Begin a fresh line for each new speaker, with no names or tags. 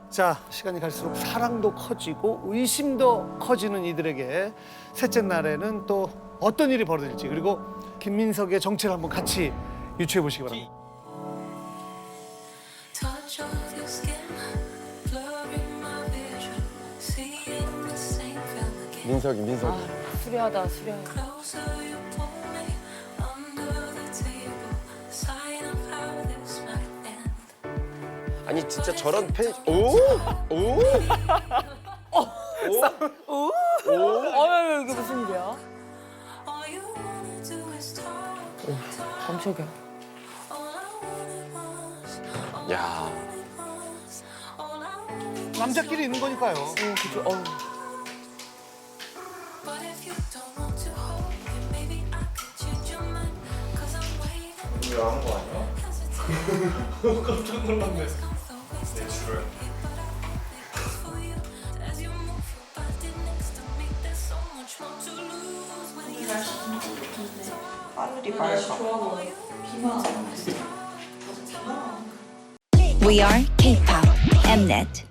자, 시간이 갈수록 사랑도 커지고 의심도 커지는 이들에게 셋째 날에는 또 어떤 일이 벌어질지, 그리고 김민석의 정체를 한번 같이 유추해 보시기 바랍니다.
Touch of your skin, blurring my vision, seeing the same film again.
민석이.
수려하다, 수려해.
Closer you pull me, under the table, sign of how this might end.
아니 진짜 저런 팬. 오.
어휴, 이게 무슨 일이야?
All you wanna do is talk,
깜짝이야.
all I wanted was, all
야.
I was, all I wanted.
남자끼리 있는 거니까요.
그죠, 어휴.
But if you don't want to hold me, maybe I could change your mind. 'Cause I'm waiting.
이거 한거 아니야? 깜짝 놀랐네. 내 줄을.
하늘이 맑아.
We are K-pop Mnet.